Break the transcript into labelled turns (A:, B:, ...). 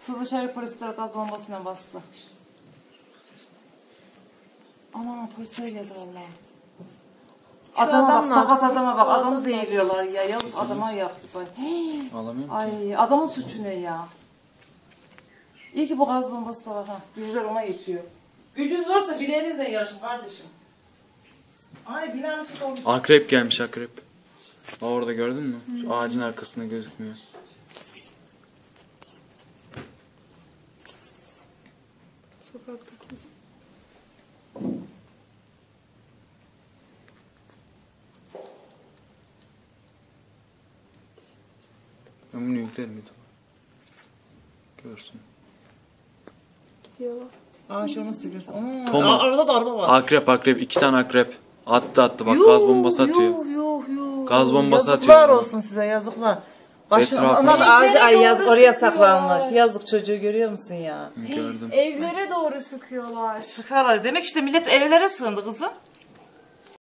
A: Dışarı polisler gaz bombasıyla bastı. Ana polisler geldi valla. Adama bak, sakat adama bak. Adamı zehirliyorlar ya. Yazık adama yaktı.
B: Alamıyorum
A: Ay
B: ki.
A: adamın suçu ne ya? İyi ki bu gaz bombası da var ha. Güçler ona yetiyor. Gücünüz varsa bileğinizle yarışın kardeşim. Ay binanın içinde olmuş.
B: Akrep gelmiş akrep. Orada gördün mü? Şu ağacın arkasında gözükmüyor.
C: Sokakta kimse.
B: Ben bunu yüklerim YouTube'a. Görsün.
C: Gidiyorlar.
A: Ağaç olması da güzel.
B: Toma.
A: Arada da araba var.
B: Akrep. 2 tane akrep. Attı bak gaz bombası atıyor.
A: Yuh.
B: Gaz bombası
A: yazıklar
B: atıyor.
A: olsun size yazıklar.
B: Etrafına-
A: Onlar da ağacı
C: Evlere
A: yazık
C: doğru
A: oraya
C: sıkıyorlar.
A: saklanmış. Yazık çocuğu görüyor musun ya?
B: Gördüm.
C: Evlere doğru sıkıyorlar.
A: Sıkarlar. Demek işte millet evlere sığındı kızım.